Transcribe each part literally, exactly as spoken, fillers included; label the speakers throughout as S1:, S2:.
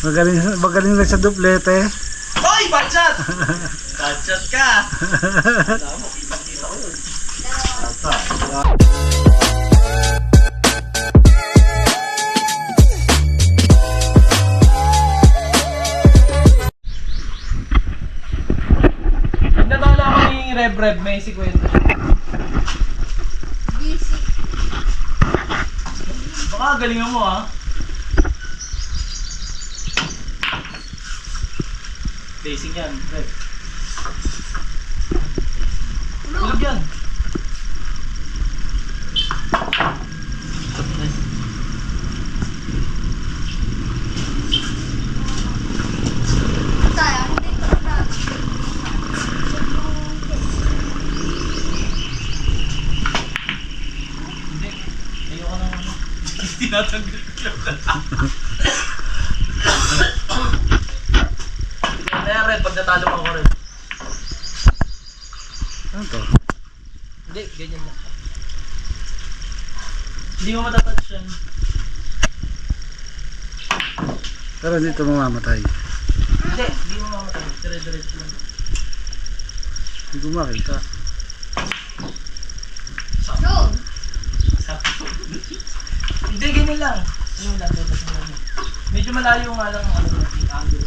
S1: Magaling, magaling lang sa duplete.
S2: Hoy! Batchat! Batchat ka! Alam mo, kitang-kita ko yun. Nagdadala ko ni Rev-Rev, may sikwenta. Baka galingan mo ha. Facing yan, Rev. Tulog yan. Hindi. Ayoko na ano. Tinatanggal ko lang. Kaya Red, pag natalo mo ako Red.
S1: Ano to?
S2: Hindi, ganyan lang. Hindi mo matatouch yan.
S1: Pero hindi ito mamamatay.
S2: Hindi, hindi mo mamatay. Dire-diretso lang.
S1: Hindi ko makita.
S2: Sakto. Sakto. Hindi, ganyan lang. Ano lang, tutas mo lang. Medyo malayo nga lang ang ano natin, angulo.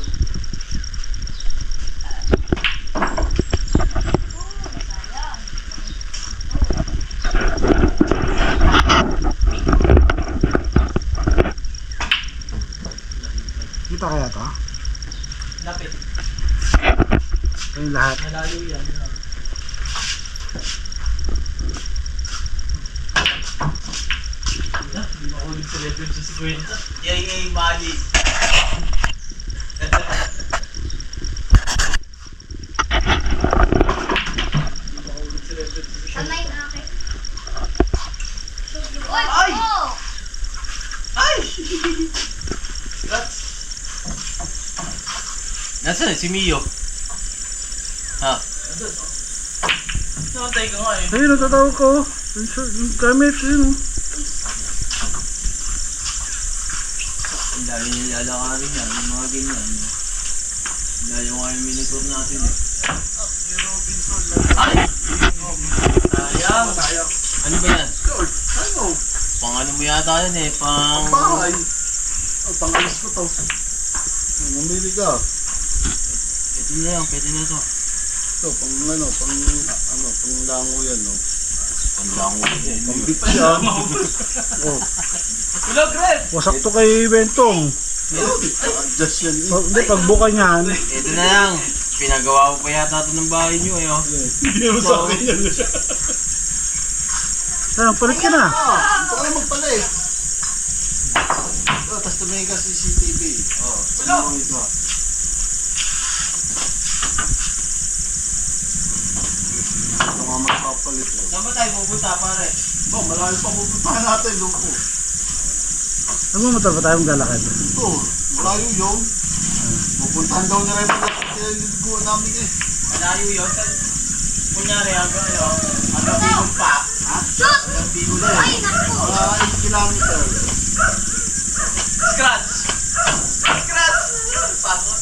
S1: Kita kaya to?
S2: Lapit.
S1: Ito yung lahat.
S2: Malayo yan. Hindi makulit sa level sa sikwenta. Yay, yay, mali. Hindi makulit sa level sa sikwenta.
S3: Sanay na akin.
S2: Ay! Ay! Rats! Nasaan si Mio? Ha? Nandun, oh. Nakantay ka nga eh.
S1: Ayun, natatawag ko. Yung short- yung gamit, yun.
S2: Ang dami nilalakarin yan, yung mga ganyan. Layo nga yung minitor natin eh. Ay! Sayang! Ano ba yan?
S4: Ano?
S2: Pang ano mo yata yan eh, pang...
S4: Bahay. Oh, pangalis ko to. Mamili ka.
S2: Pwede na yan, pwede na ito.
S4: Ito, pang ano, pang ano, pang lango yan, no?
S2: Pang lango yan.
S4: Pang beach yan. Oh,
S2: Hello, Greg!
S1: Wasak to kay Bentong.
S4: adjust yan eh.
S1: Pag, hindi, pagbuka niyan.
S2: Ito na lang. Pinagawa ko pa yata ito ng bahay nyo eh. Oh.
S4: Hindi naman sa akin yan.
S1: Ayun, palit ka na.
S4: Ah, ito kayo magpala eh. Oh, tapos tumingin ka sa C C T V. Oh, ano ito? Ito nga magpapalit eh.
S2: Saan ba tayo pupunta pare?
S4: Oh, malayo pa pupuntahan natin, loko.
S1: Ano mo motor pa tayo maglalakad?
S4: Ito, malayo yun. Pupuntahan daw na rin mga sinaliguan namin eh.
S2: Malayo yun. Kunyari hanggang ano, hanggang Bicol pa.
S4: Ha?
S3: Shoot!
S4: Ang bigo na
S3: Ay,
S4: eh.
S3: naku!
S4: Mga eight kilometers.
S2: Scratch! Scratch! Pasok.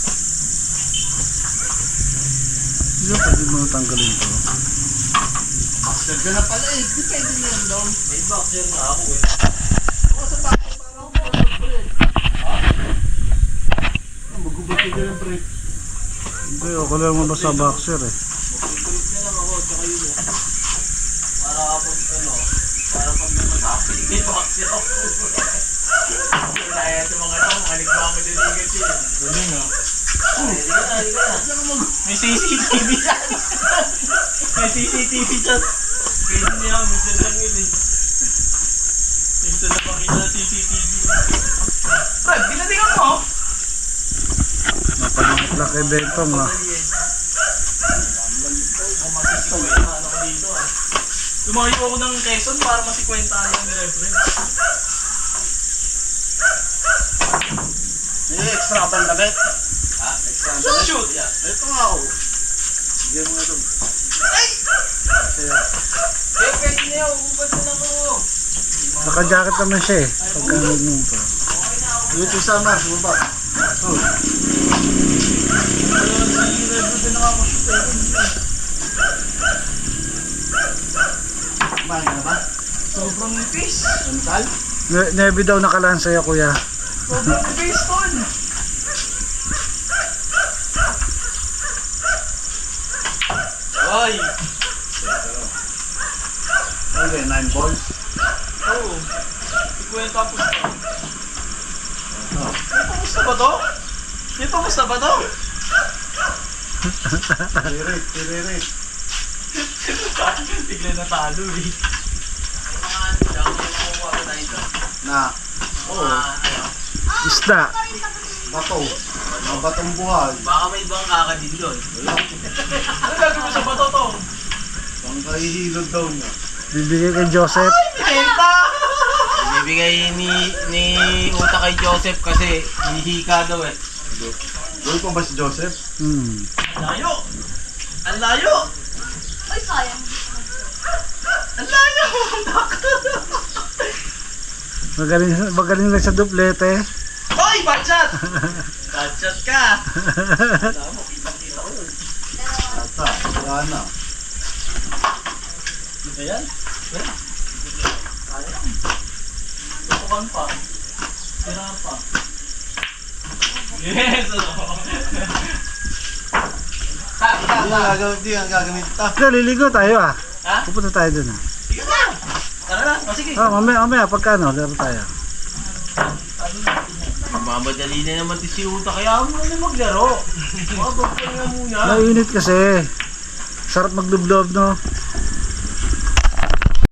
S1: Hindi ko pwede mo tanggalin to.
S4: Master ka na pala eh. Depende na yan daw.
S2: May boxer na ako eh.
S4: Ako sa bahay parang break. Ah, magubat ka yung break.
S1: Hindi, ako lang mo sa boxer eh.
S2: Mag-break na lang ako, tsaka yun eh. Para kapag ano, para pag namatapit, may boxer ako. Kaya sa mga tao, makalig ba ako diligat yun. Ganun ah. Ay, di ka na, di ka na. May C C T V yan. May C C T V dyan. Pwede niya, minsan lang yun eh. Minsan na makita na C C T V. Brad, ginatingan mo?
S1: Napalangit lang kay Bentong ah.
S2: Ano ko dito ah. Lumayo ako ng Quezon para masikwentahan yung reference.
S4: May extra ka pang damit?
S2: Ha?
S4: Extra ka
S2: Shoot!
S4: damit?
S2: Shoot! Yeah.
S4: Ito nga ako. Sige mo nga ito.
S2: Ay!
S4: Kaya,
S2: Eh, pwede na yun. Ubad na lang ako.
S1: Naka-jacket naman siya eh. Pagka nagmumpa.
S2: Okay na ako.
S4: dito sama, bumaba. Oh. Kumain ka na ba?
S2: Sobrang nipis.
S4: Antal?
S1: Ne- Nebi daw nakalaan sa'yo, kuya.
S2: Sobrang nipis, tol. Ay!
S4: Ano ba yun? Nine balls?
S2: Oo. Ikwento ang pusta.
S4: Oh.
S2: May pamusta ba to? May pamusta ba to?
S4: Tiririt, tiririt.
S2: Bigla na talo eh.
S4: Na. Oo.
S1: Isda.
S4: Bato. Mga batong buhay.
S3: Baka may ibang kakadin doon.
S4: Wala.
S2: Ano gagawin mo sa bato to?
S4: Pang kahihilod daw niya.
S1: Bibigay kay Joseph.
S2: Pinenta!
S3: Ibibigay ni ni Uta kay Joseph kasi hihika daw eh.
S4: Doon pa ba si Joseph?
S1: Hmm.
S2: Ang layo! Ang layo!
S5: Ay, sayang.
S2: Ang layo!
S1: Magaling, magaling lang sa duplete.
S2: Hoy! Batchat! Batchat ka! Alam mo, kitang-kita ko yun.
S4: Ata. Wala na.
S2: Ayan. Ayan. Ayan. Tutukan pa. Tira pa. Yes! Ano? Ta, ta,
S4: Hindi
S2: ta.
S4: ang gagamit. Hindi ang gagamit. Ta.
S1: Ito, liligo tayo ah.
S2: Ha?
S1: Pupunta tayo dun ah.
S2: Sige na! Tara na! O sige!
S1: Ah, mamaya, mamaya, pagkano, laro tayo.
S3: Mamadali na naman si Uta kaya mo na maglaro. Mabag ka na muna.
S1: Mainit kasi. Sarap maglublob, no?